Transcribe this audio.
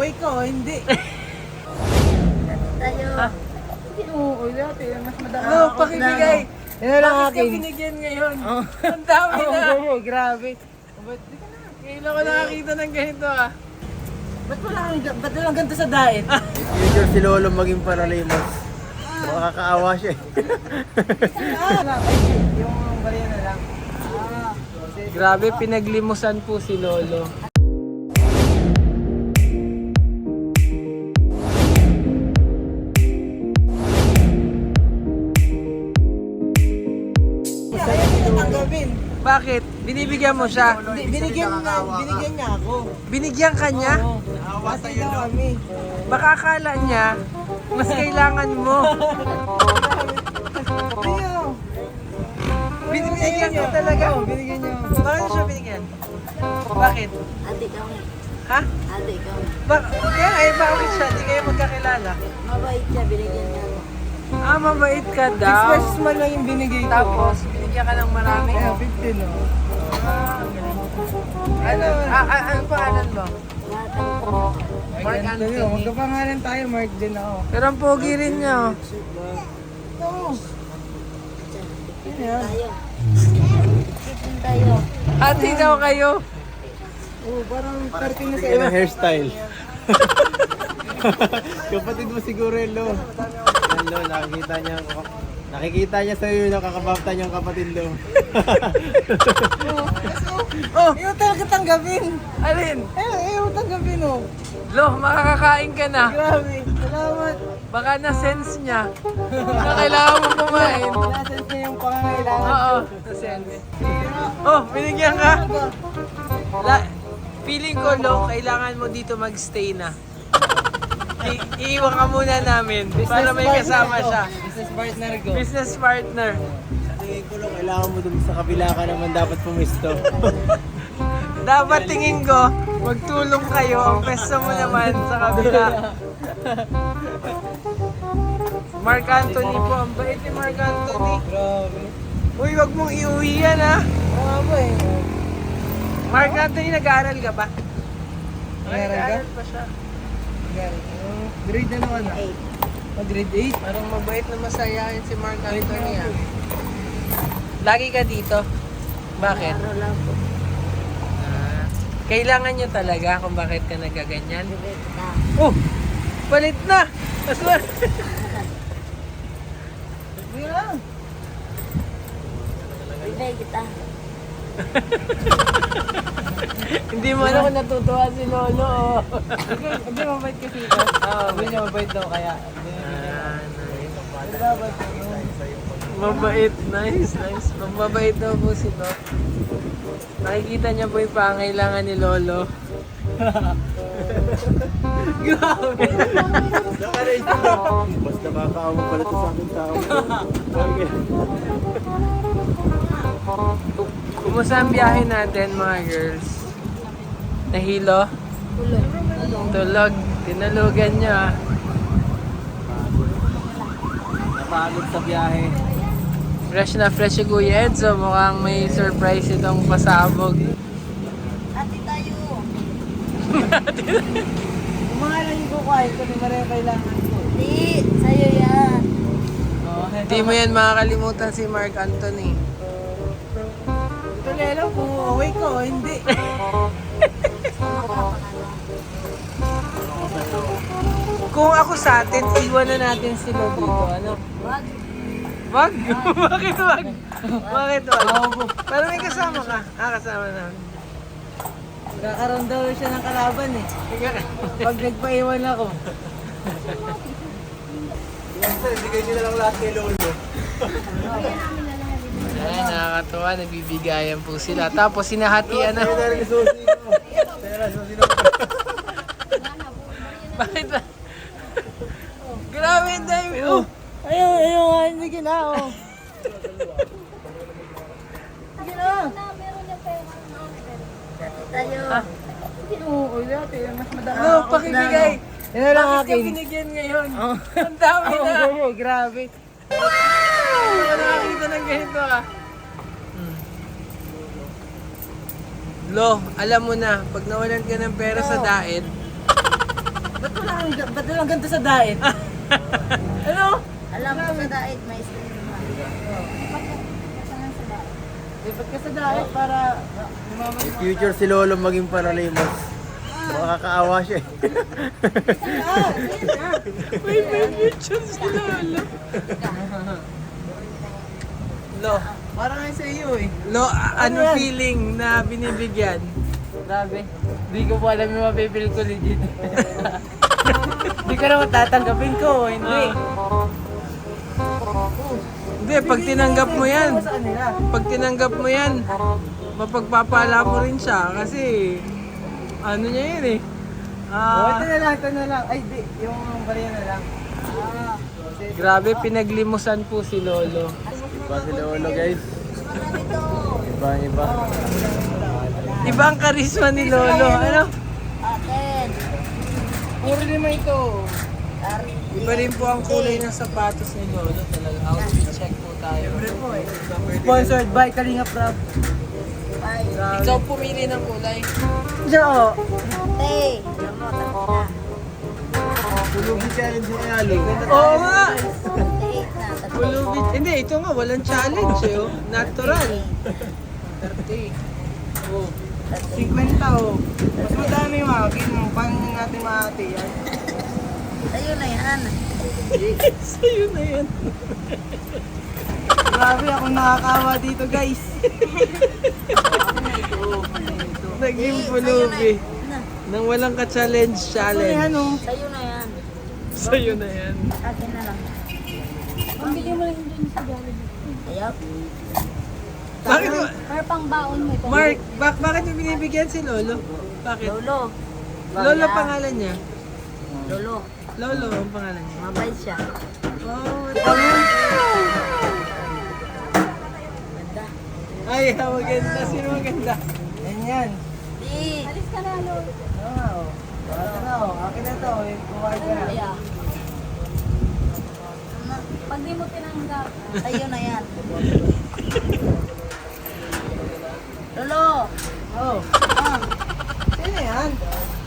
away ka o hindi? Tayo. Oo, dati mas madami. Ano, pakibigay. Yan lang Bakit akin. ka binigyan ngayon? Ang dami na. Oo, grabe. Ba't di ka na? Ngayon ako nakakita ng ganito ah. Ba't walang ganito sa diet? If future si Lolo maging paralimos. Makakaawa siya eh. Yung bariya na lang. Grabe, pinaglimusan po si Lolo. Ayaw mo na tanggapin. Bakit? Binibigyan mo siya? Binigyan niya ako. Binigyan ka niya? Oo. Kasi daw kami. Baka akala niya, mas kailangan mo. Ayaw. Binigyan ka talaga. Oo, binigyan niya ako. Bakit siya binigyan? Bakit? Adik kami. Ha? Adik kami. Kaya ay bakit siya? Di kayo magkakilala? Mabait siya, binigyan niya ako. Ah, mabait ka 6 daw. pesos man lang yung binigay ko. Tapos, binigyan ka ng marami. Kaya 15 no. Ano pangalan mo? Mark Mark Anthony. Anthony. Magkapangalan tayo, Mark din ako. Pero ang pogi rin niya. Oh. Ito. Tayo. Chicken tayo. Ate daw kayo. Oh, parang 30 na sa Yan ang hairstyle. Kapatid mo siguro yun, Lo. Yan, Lo, nakikita niya sa'yo yung nakakabapta niyang kapatid, Lo. Oh, Ayaw talaga tanggapin. alin? Ayaw tanggapin oh. Lo, makakakain ka na. Grabe. Salamat. Baka na-sense niya na kailangan mo kumain. Nasense niya yung pangangailangan. Oo, na-sense. Oh, binigyan ka. Feeling ko, Lo, kailangan mo dito magstay na. Iiwan ka muna namin para may kasama siya. Business partner ko. Business partner. Tingin ko, Lo, kailangan mo dun sa kabila ka naman dapat pumisto. Dapat tingin ko, magtulong kayo. Ang pwesto mo naman sa kabila. Mark Anthony po. Ang bait ni Mark Anthony. Grabe. Uy, wag mong iuwi yan ha. Oo nga ba eh. Mark Anthony, nag-aaral ka ba? Nag-aaral ka? pa siya. Grade na naman ah. 8. Grade 8? Parang mabait na masayahin si Mark Anthony ha. Lagi ka dito. Bakit? Araw lang po. Kailangan nyo talaga kung bakit ka nagaganyan. Bibit na. Oh! Palit na! Aswar! Sige lang. Bibit kita. Hindi mo alam kung natutuwa si Lolo. Oh. Hindi mabait kasi ito. Sabi niya mabait daw kaya. Mabait, nice. Mabait daw po si Lolo. Nakikita niya po yung pangailangan ni Lolo. Grabe. Basta makakaawa pala ito sa akin tao. Kumusta ang biyahe natin mga girls? Nahilo? Tulog. Tinulugan niyo ah. Napagod sa biyahe. Fresh na fresh si Kuya Edzo. Mukhang may surprise itong pasabog. Ate tayo. Yung mga lang yung kukuhain ko, di maraming kailangan ko. Di, sa'yo yan. Hindi mo yan makakalimutan si Mark Anthony. Ito lelo kung away ka o hindi. Kung ako sa atin, iwan na natin sila dito. Ano? Wag. Wag? Bakit wag? Bakit wag? Pero may kasama ka. Kasama namin. Kakaroon daw siya ng kalaban eh. Pag nagpaiwan ako. Bigay nyo na lang lahat kay Lolo. Ayan, nakakatuwa. Nagbibigayan po sila. Tapos sinahatian na. Bakit ba? Grabe ang dami. Oh. Ayaw, sige na oh. Sige na. Tayo. Oo, dati mas madami. Ano, pakibigay. Yan lang Bakit ka akin. binigyan ngayon? Ang dami na. Oo, grabe. Hindi ko nakakita ng ganito ah. Hmm. Lo, alam mo na, pag nawalan ka ng pera sa diet, Ba't walang ganito sa diet? Ano? Alam mo sa diet, may stream naman. Lipat ka sa diet para Yung future si Lolo maging paralimos. Makakaawa siya eh. May future si Lolo. Lo, parang ngayon sa iyo eh. Lo, ano yan? feeling na binibigyan? Grabe. Hindi ko po alam yung mapipil ko legit. Hindi ko naman tatanggapin ko. Hindi. Hindi, pag tinanggap mo yan, Sa kanila. pag tinanggap mo yan, mapagpapala mo rin siya kasi ano niya yun eh. Oh, ito na lang, ito na lang. Ay, di. Yung bariya na lang. Grabe, pinaglimusan po si Lolo. Iba si Lolo guys. Iba. Iba ang karisma ni Lolo. Ano? Aten. Puro lima ito. Iba rin po ang kulay ng sapatos ni Lolo. Talaga, outfit check po tayo. Sponsored by Kalinga Prab. Ikaw pumili ng kulay. Diyan oh. Te. Alam mo, tapos na. Pulubi challenge ni Alo. Oo nga! 48 na. Pulubit. Hindi, ito nga, walang challenge eh. Oh. Natural. 30. Oh. 50 oh. Mas madami yung akin. Paano natin mahati yan? Sa'yo na yan. Sa'yo na yan. Grabe ako nakakawa dito guys. Naging Eh, pulubi. Na. Nang walang ka-challenge Ano yan challenge. oh. Sa'yo na yan. Sa'yo na yan. Akin na lang. Pambili mo lang dun sa Jollibee. Ayaw. Bakit mo? Para pang baon mo ito. Mark, bakit mo binibigyan si Lolo? Bakit? Lolo. Lolo pangalan niya. Lolo. Lolo ang pangalan niya. Mabait siya. Oh, Ganda. ay, maganda. Sino maganda? Yan yan. Di. Alis ka na, Lolo. Oo nga oh. Ito na oh. Akin na to. Kumain ka na. Kaya. Pag di mo tinanggap, Sa'yo na yan. Lolo. Oh. Ah. Sino yan?